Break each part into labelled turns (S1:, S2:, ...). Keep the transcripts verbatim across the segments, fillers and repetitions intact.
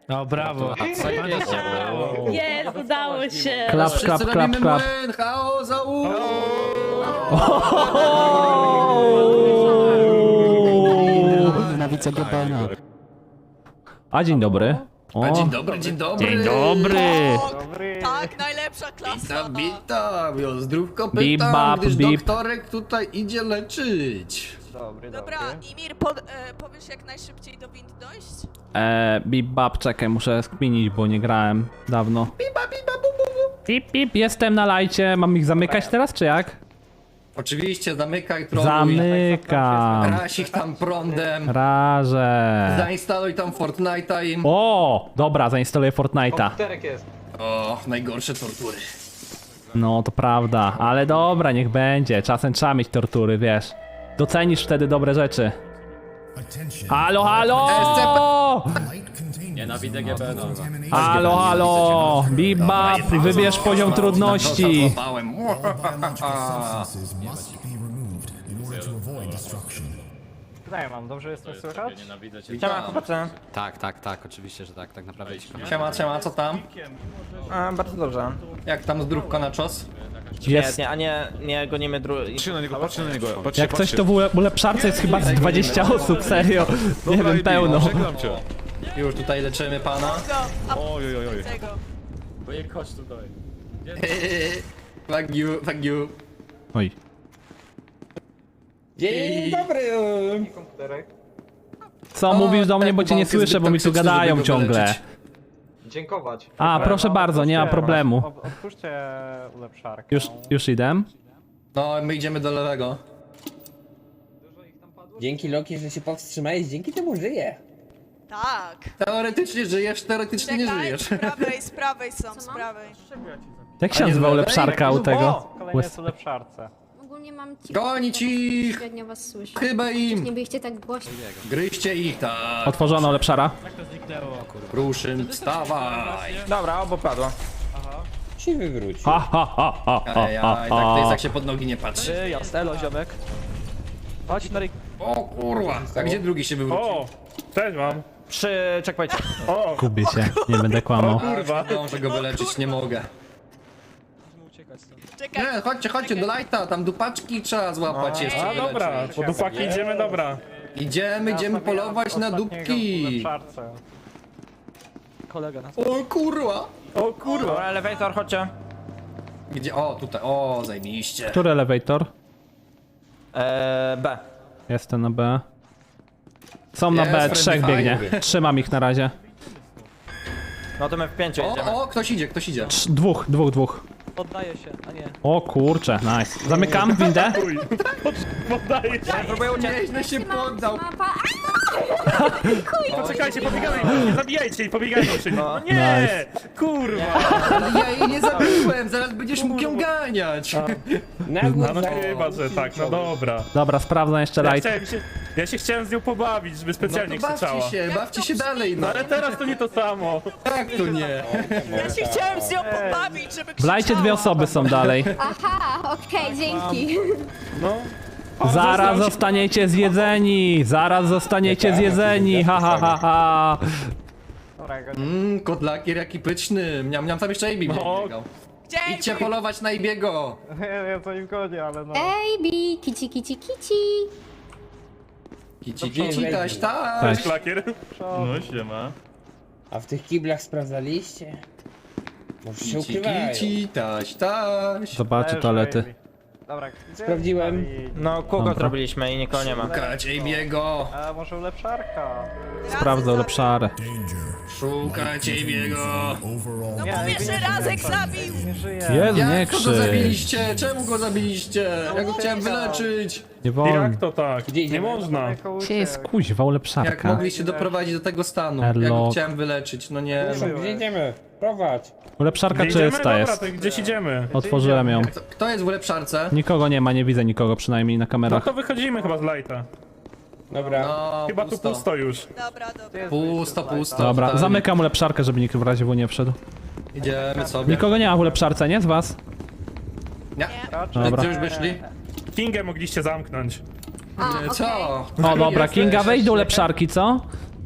S1: No brawo.
S2: Jest, udało się.
S3: Klap,
S4: Wszyscy
S3: klap, klap,
S4: robimy
S3: klap.
S4: młyn, chaos, za u.
S5: Nienawidzę Gebena.
S3: A dzień dobry. O,
S4: A dzień dobry, dzień dobry.
S3: dzień dobry.
S2: Tak, najlepsza klasa.
S4: Witam, witam, jo, zdrówko
S3: Bip,
S4: pytam,
S3: bap,
S4: gdyż
S3: bip.
S4: doktorek tutaj idzie leczyć.
S2: Dobra, Imir, pod, e, powiesz jak najszybciej do wind dojść?
S3: E, bip bap, czekaj, muszę skminić, bo nie grałem dawno.
S4: Biba, biba, bu, bu, bu.
S3: Pip, pip, jestem na lajcie. Mam ich zamykać teraz, czy jak?
S4: Oczywiście, zamykaj troluj.
S3: Zamykam.
S4: Raś ich tam prądem.
S3: Rażę.
S4: Zainstaluj tam Fortnite'a im.
S3: O, dobra, zainstaluję Fortnite'a.
S4: O, najgorsze tortury.
S3: No, to prawda, ale dobra, niech będzie. Czasem trzeba mieć tortury, wiesz. Docenisz wtedy dobre rzeczy. Halo, halo!
S6: Nienawidzę G B, no.
S3: Halo, halo! Bibap, wybierz poziom trudności.
S4: Złapałem.
S1: Tutaj mam, dobrze jestem słychać?
S6: Nienawidzę cię.
S4: Witam.
S6: Tak, tak, tak, oczywiście, że tak, tak naprawdę idź.
S4: Siema, siema, co tam?
S7: A, bardzo dobrze.
S4: Jak tam zdrówko na czos?
S3: Jest.
S7: Świetnie, a nie, nie gonimy dru...
S8: Patrzcie na niego, patrzcie na niego, patrzcie,
S3: Jak coś to w ule- ulepszarce jest chyba z dwadzieścia osób, serio. Nie wiem, pełno.
S8: Żegnam cię.
S4: Już tutaj leczymy pana.
S2: Go, a
S8: Oj, oj, oj, oj.
S2: tego.
S6: Wujek, chodź tutaj.
S4: Fuck you, fuck you.
S3: Oj.
S7: Dzień dobry!
S3: Co mówisz do mnie, bo cię nie
S4: walkę zbyt
S3: słyszę, bo mi tu
S4: toksyczną,
S3: gadają
S4: żeby go
S3: ciągle.
S4: wyleczyć.
S7: Dziękować.
S3: A, proszę bardzo, nie ma problemu.
S1: Otwórzcie ulepszarkę.
S3: Już, już idę.
S4: No, my idziemy do lewego.
S9: Dzięki Loki, że się powstrzymałeś, dzięki temu żyję.
S2: Tak.
S4: Teoretycznie żyjesz, teoretycznie nie
S2: Czekaj,
S4: żyjesz.
S2: z prawej, z prawej są, z prawej.
S3: Jak się
S4: A nie
S3: nazywa
S4: z lewej?
S3: ulepszarka u tego?
S1: O, kolejny jest ulepszarce.
S10: Ogólnie mam ci...
S4: Gonić ich!
S10: Średnio was słyszę.
S4: Chyba
S10: Nie
S4: im!
S10: byliście tak głośno.
S4: Gryźcie ich, tak!
S3: Otworzona ulepszara.
S4: Ruszyn, wstawaj!
S7: Dobra, obo padło.
S9: Się wywrócił.
S3: Ha, ha, ha, ha, ha,
S4: Ej,
S3: ha,
S4: aj, tak to jest
S3: ha.
S4: jak się pod nogi nie patrzy.
S7: Ty, jasnelo, ziomek. Chodź, Norik.
S4: O kurwa! A gdzie drugi się wywrócił?
S1: O, też mam.
S7: Przy checkpointie.
S1: O,
S3: Gubię się, nie będę kłamał.
S4: Kurwa! Zdążę go wyleczyć, nie mogę.
S2: Czekaj.
S4: Nie, chodźcie, chodźcie do lighta, tam dupaczki trzeba złapać jeszcze.
S1: a dobra, po dupaki idziemy, dobra.
S4: Idziemy, idziemy polować na dupki!
S1: Ulepszarce.
S7: Kolega nas.
S4: O kurwa!
S1: O kurwa.
S7: Dobra, elevator, chodźcie.
S4: Gdzie? O, tutaj, o, zajmiście.
S3: Który elevator?
S7: Eee, B.
S3: Jestem na B. Są na
S4: Jest,
S3: B,
S4: friendly
S3: trzech biegnie.
S4: fire.
S3: Trzymam ich na razie.
S7: No to my w pięciu jedziemy.
S4: O, o, ktoś idzie, ktoś idzie.
S3: Trz- Dwóch, dwóch, dwóch.
S7: Poddaję się, a nie.
S3: O kurcze, nice. Zamykam windę.
S1: Poddaję się.
S7: Próbuję uciec.
S4: Nieźle się poddał.
S10: Mapa...
S1: Poczekajcie, pobiegamy, nie zabijajcie jej, pobiegajcie przy nim. No nie,
S3: Nice.
S1: kurwa.
S4: Ale ja jej nie zabiłem, zaraz będziesz mógł ją ganiać.
S9: Na
S1: No,
S9: górze.
S1: no chyba, że tak, no dobra.
S3: Dobra, sprawdzam jeszcze
S1: Ja,
S3: light.
S1: chciałem się, ja się chciałem z nią pobawić, żeby
S4: No
S1: specjalnie
S4: to
S1: krzyczała.
S4: bawcie się, bawcie się dalej, no.
S1: No ale teraz to nie to samo.
S4: Jak to nie?
S2: Ja się chciałem z nią pobawić, żeby
S3: W lajcie dwie
S2: krzyczała.
S3: osoby są dalej.
S10: Aha, okej, dzięki.
S1: No.
S3: Zaraz zostaniecie zjedzeni! Zaraz zostaniecie zjedzeni! Ha ha ha ha!
S4: Mmm, kotlakier jaki pyczny. Miam, miam tam jeszcze Amy
S1: No.
S4: biegał.
S2: Dzięki.
S4: Idźcie polować na Ibiego.
S1: Ja, ja to nie zgodzie, ale no.
S10: Ej, bi, kici, kici, kici.
S4: Kici, kici, taś, taś.
S3: Cześć.
S1: Klakier. No siema.
S9: A w tych kiblach sprawdzaliście? Może się
S4: Kici,
S9: ukrywają.
S4: kici, taś, taś.
S3: Zobaczę toalety.
S1: Dobra,
S9: Sprawdziłem.
S7: No, kółko
S3: Dobra.
S7: zrobiliśmy i nikogo nie ma.
S4: Szukać Ibiego.
S1: A może ulepszarka?
S3: Sprawdzę ulepszarę.
S4: Szukać Ibiego.
S2: No mówię, że Razek zabił.
S1: Nie żyje.
S3: Jezu, nie
S4: Jak go
S3: krzycz.
S4: zabiliście? Czemu go zabiliście? Ja go chciałem wyleczyć.
S3: Nie wolno.
S1: Jak to tak?
S9: Gdzie
S1: Nie
S9: idziemy?
S1: można.
S3: Gdzie jest kuźwa
S4: Jak
S3: ulepszarka?
S4: mogliście doprowadzić do tego stanu? Ja go
S3: Airlock.
S4: chciałem wyleczyć, no nie.
S9: Proszę, gdzie idziemy? Prowadź.
S3: Ulepszarka
S1: Gdzie idziemy?
S3: czysta
S1: Dobra,
S3: jest.
S1: to gdzieś idziemy.
S3: Otworzyłem ją.
S4: Kto, kto jest w ulepszarce?
S3: Nikogo nie ma, nie widzę nikogo przynajmniej na
S1: No
S3: kamerach.
S1: to wychodzimy chyba z lighta.
S9: Dobra.
S4: No,
S1: Chyba tu pusto już.
S2: Dobra, dobra.
S4: Pusto, pusto.
S3: Dobra,
S4: totalnie.
S3: zamykam ulepszarkę, żeby nikt w razie W nie wszedł.
S4: Idziemy sobie.
S3: Nikogo nie ma w ulepszarce, nie? Z was?
S4: Nie.
S3: Dobra.
S4: Gdzie już wyszli?
S1: Kingę mogliście zamknąć.
S10: A,
S4: Co?
S3: O dobra, Kinga, wejdź do ulepszarki, co?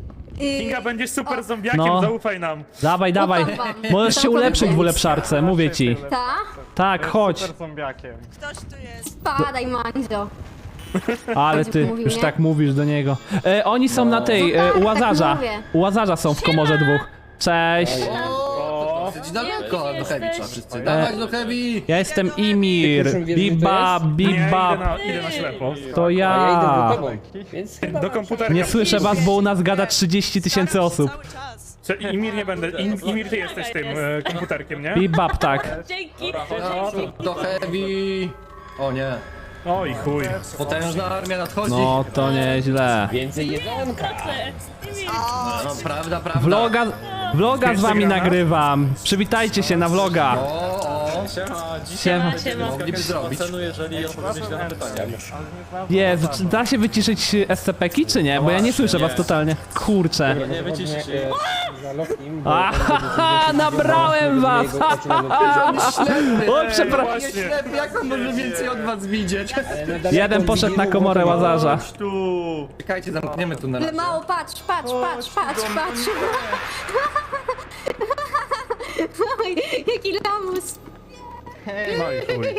S1: Kinga, będziesz super zombiakiem,
S3: No.
S1: zaufaj nam.
S3: Dawaj, dawaj.
S10: Ufam wam.
S3: Możesz się
S10: Całkowicie.
S3: ulepszyć w ulepszarce, mówię ci.
S10: Ta?
S3: Tak, chodź.
S2: Ktoś tu jest.
S10: Spadaj, Mandzio.
S3: Ale
S10: Będzie
S3: ty
S10: mówił,
S3: już
S10: nie?
S3: tak mówisz do niego. E, oni są na tej,
S10: No
S3: e,
S10: tak,
S3: u
S10: tak
S3: Łazarza.
S10: mówię.
S3: U Łazarza są w komorze dwóch. Cześć.
S4: O, dosyć daleko, do Heavy trzeba wszyscy. Dawać do Heavy!
S3: Ja jestem Imir. Bibab,
S1: Nie, idę
S3: bibab.
S1: na, idę na ślepo.
S3: To
S9: A ja idę
S3: ja.
S9: do tobą, więc chyba
S1: Do
S9: masz-
S1: komputera.
S3: Nie słyszę was, bo u nas gada trzydzieści tysięcy
S2: Staram się
S3: osób.
S2: Cały czas.
S1: Czy Imir nie będę. Im, Imir, ty jesteś tym e, komputerkiem, nie?
S3: Bibab, tak.
S4: No, do Heavy! O nie,
S1: Oj, chuj.
S4: potężna armia nadchodzi.
S3: No to nieźle.
S9: Więcej jedzonka.
S4: No, prawda, prawda.
S3: Vloga, vloga z wami nagrywam. Przywitajcie się na vloga.
S4: O, o,
S6: Siema, dzisiaj
S3: Siema.
S4: mogliby zrobić.
S6: ocenu, jeżeli odpowiedzieć na pytania.
S3: Jezu, czy da się wyciszyć S C P ki, czy nie? Bo ja nie słyszę was totalnie. Kurczę.
S6: Nie wyciszysz jej.
S9: Zalotnim, bo
S3: Ahaha, nabrałem was! O, przepraszam.
S4: Nie ślepy, jak on może więcej od was widzieć?
S3: Jeden poszedł na komorę Łazarza.
S1: Tu.
S4: Czekajcie, zamkniemy tu na
S10: Ale
S4: razie.
S10: mało, patrz, patrz, patrz, patrz, patrz. Oj, jaki lamus.
S1: No i chuj.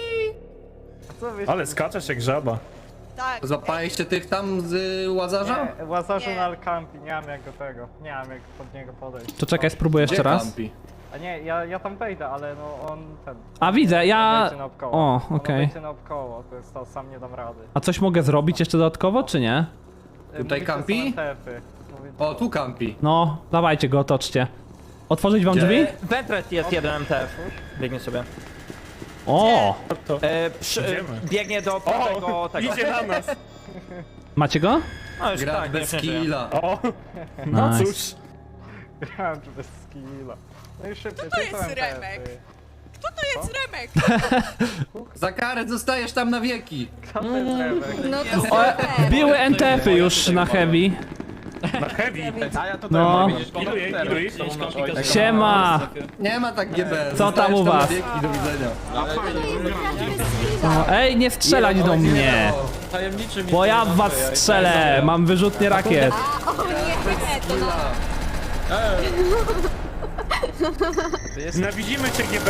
S1: Ale skaczesz jak żaba.
S2: Tak.
S4: Złapaliście tych tam z y, Łazarza?
S5: Łazarzu
S2: Nie.
S5: na Alkampi, nie mam jak do tego, nie mam jak pod niego podejść.
S3: To czekaj, spróbuję jeszcze
S4: Gdzie
S3: raz.
S4: kampi?
S5: A nie, ja, ja tam wejdę, ale no on ten...
S3: A widzę, ja...
S5: Wejdzie naokoło.
S3: O,
S5: On
S3: okej.
S5: wejdzie naokoło, to jest to, sam nie dam rady.
S3: A coś mogę zrobić jeszcze dodatkowo, czy nie?
S5: Y,
S4: Tutaj
S5: mówicie,
S4: kampi?
S5: są N T F-y. Mówi-
S4: O, tu kampi.
S3: No, dawajcie go, otoczcie. Otworzyć wam drzwi?
S7: Wentret jest jeden M T F. Biegnie sobie.
S3: O!
S7: E, przy, e,
S1: Idziemy.
S7: biegnie do prawego
S1: O,
S7: tego.
S1: idzie na nas.
S3: Macie go?
S7: No już
S4: Gra
S7: tak,
S4: bez
S7: nie żyje.
S4: killa.
S1: O, no
S3: Nice.
S1: cóż.
S5: Grałem tu bez skilla. No i szybciej,
S2: to
S5: to
S2: jest
S5: są N T F-y.
S2: Remek? Kto to jest Remek?
S4: Za karę zostajesz tam na wieki.
S5: Kto to jest Remek?
S10: No to
S3: O,
S10: super.
S3: biły N T F-y już na heavy.
S1: Na heavy.
S3: No.
S1: Ilu, ilu ich?
S3: Siema!
S4: Nie ma tak G B.
S3: Co tam u
S4: Zostajesz
S3: was?
S4: na wieki, do widzenia.
S3: No, ej, nie strzelać do mnie!
S6: Tajemniczy mi
S3: Bo ja w was strzelę! Mam wyrzutnie rakiet.
S10: O nie, to no.
S1: Nienawidzimy cię G B.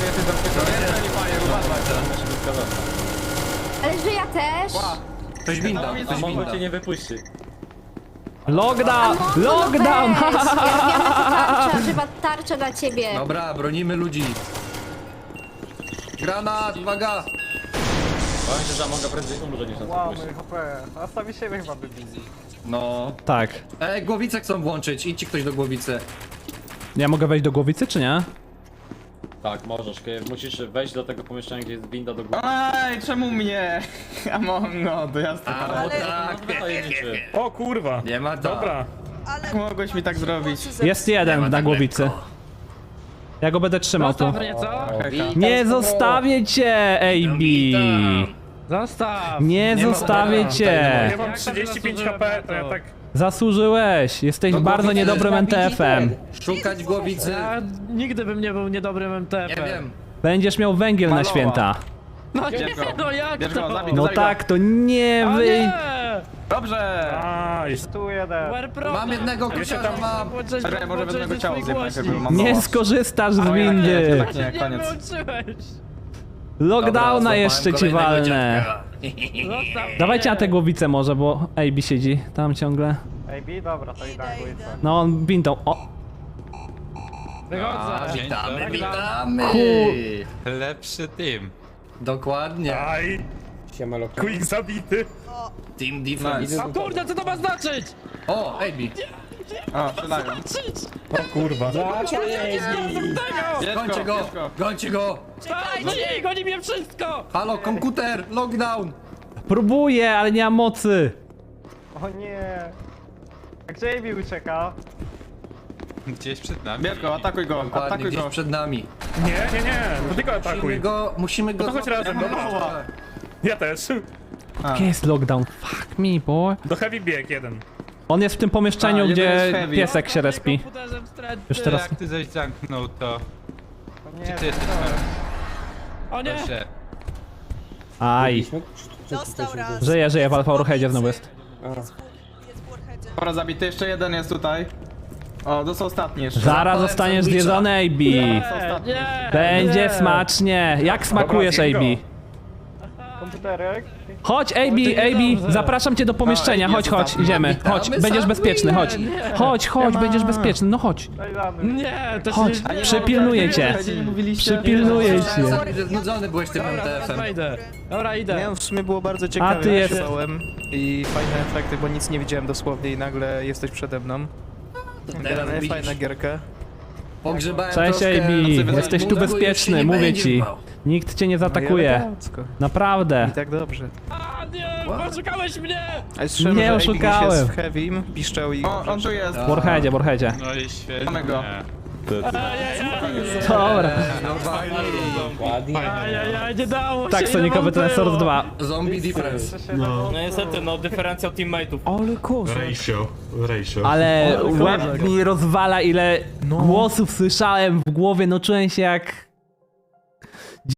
S10: Ale że ja też.
S4: Ktoś winda, ktoś
S6: Mogę
S4: winda.
S6: cię nie wypuści.
S3: Lockdown!
S10: No
S3: Lockdown!
S10: weź. Ja wiem, że to tarcza, chyba tarcza dla ciebie.
S4: Dobra, bronimy ludzi. Granat, uwaga!
S6: Powiem ci, że mogę prędzej umrzeć niż nas
S5: Wow,
S6: wypuści.
S5: mój H P. A sami siebie chyba wybili.
S4: No.
S3: Tak.
S4: Ej, głowicę chcą włączyć, idźcie ktoś do głowicy.
S3: Ja mogę wejść do głowicy, czy nie?
S6: Tak, możesz. kiedy Musisz wejść do tego pomieszczenia, gdzie jest winda do góry.
S8: Ej, czemu mnie? A no, to jasne.
S4: A,
S2: Ale-
S4: bo tak.
S6: No, tajemniczy.
S1: O kurwa.
S4: Nie ma tak.
S1: Dobra.
S2: Ale...
S8: Mogłeś mi tak zrobić.
S3: Jest jeden na głowicy. Ja go będę trzymał tu. Nie zostawię cię, A B!
S8: Zostaw!
S3: Nie zostawię cię!
S1: Ja mam trzydzieści pięć H P, to ja tak...
S3: Zasłużyłeś! Jesteś
S4: No
S3: bardzo
S4: głowicy
S3: niedobrym N T F-em.
S4: Szukać głowicy.
S8: Ja nigdy bym nie był niedobrym M T
S4: Nie
S8: F-em.
S4: wiem.
S3: Będziesz miał węgiel na święta.
S8: No nie, no jak
S6: Bierz go,
S8: to?
S6: zabij
S3: No
S6: Zabij go.
S3: tak, to nie
S8: A
S3: wy...
S8: nie!
S6: Dobrze!
S1: A, jest...
S5: Tu jeden.
S8: Warpro!
S4: Mam jednego kusiarza, mam.
S8: Czekaj, może jednego ciała zjem, najpierw mam
S3: Nie
S8: mało.
S3: skorzystasz z windy!
S8: Tak nie, koniec.
S5: wyłączyłeś.
S3: Lockdowna
S4: Dobra,
S3: jeszcze ci
S4: złapałem kolejnego
S3: walnę.
S4: dziadka.
S3: Dawajcie na te głowice może, bo A B siedzi tam ciągle.
S5: Ej, B, dobra, to idę na
S2: Idę,
S5: górę.
S2: idę.
S3: No on wintą. O!
S4: A,
S8: Wychodzę.
S4: witamy, witamy.
S6: Lepszy team.
S4: Dokładnie.
S1: Aj,
S9: Siema, Loka.
S1: quick zabity.
S4: Team defense.
S8: A kurde, co to ma znaczyć?
S4: O, A B.
S8: O, strzelają.
S1: O kurwa.
S4: Gońcie go, gońcie go.
S8: Czekajcie! Goni mnie wszystko!
S4: Halo, komputer, lockdown.
S3: Próbuję, ale nie mam mocy.
S5: O nie. A gdzie Amy ucieka?
S6: Gdzieś przed nami.
S8: Bierz go, atakuj go,
S4: Dokładnie,
S8: atakuj
S4: gdzieś
S8: go.
S4: przed nami.
S1: Nie, nie, nie. To tylko
S4: Musimy
S1: atakuj.
S4: go, musimy go...
S1: No to chodź razem, dobra. Ja też.
S3: Gdzie jest lockdown? Fuck me, boy.
S1: Do heavy bieg jeden.
S3: On jest w tym pomieszczeniu,
S8: A, jeden
S3: gdzie
S8: jest heavy.
S3: piesek się respi.
S8: Komputerzem wstrętny.
S3: Już teraz...
S6: Jak ty zaś zamknął to?
S5: O nie,
S6: Ty jesteś
S8: O nie!
S6: się.
S3: Aj.
S2: Dostał raz.
S3: Żyje, żyje, w Alfa Warheadzie znowu jest.
S2: Jest w Warheadzie.
S8: Dobra, zabity, jeszcze jeden jest tutaj. O, to są ostatni jeszcze.
S3: Zaraz zostaniesz zjedzony, A B. Będzie smacznie. Jak smakujesz, A B?
S5: Komputerek.
S3: Chodź, A B, A B, zapraszam cię do pomieszczenia, chodź, chodź, idziemy, chodź, będziesz bezpieczny, chodź. Chodź, chodź, będziesz bezpieczny, no chodź.
S5: Daj damy.
S8: Nie, to
S3: Chodź, przypilnuję cię.
S8: nie mówiliście.
S3: Przypilnuję cię.
S4: Sorry, że znudzony byłeś tym M T F-em.
S8: Idę. Dobra, idę.
S5: Nie, w sumie było bardzo ciekawe.
S3: A ty jest...
S5: I fajne efekty, bo nic nie widziałem dosłownie i nagle jesteś przede mną. Generalnie fajna gierka.
S4: Pogrzebałem
S3: Cześć,
S4: troszkę
S3: A B,
S4: nocy
S3: jesteś tu
S4: mózgu, już
S3: bezpieczny,
S4: się nie
S3: mówię
S4: będzie
S3: ci.
S4: bał.
S3: Nikt cię nie
S5: No
S3: zaatakuje. Naprawdę.
S5: I tak dobrze.
S8: Oszukałeś mnie!
S5: A słyszałem,
S3: Nie
S5: że A B
S3: oszukałem.
S5: jest w Heavym, piszczał i...
S8: O, on tu jest.
S3: W Warheadzie, w Warheadzie.
S11: No i świetnie.
S8: Mamy go.
S3: Dobra.
S9: Ładnie.
S8: nie dało
S3: Tak, Sonicowy Transformers dwa.
S4: Zombie difference.
S11: No.
S6: No niestety, no dyferencjał teammateów.
S5: Ale kurwa.
S11: Ratio, ratio.
S3: Ale łeb mi rozwala, ile głosów słyszałem w głowie, no czułem się jak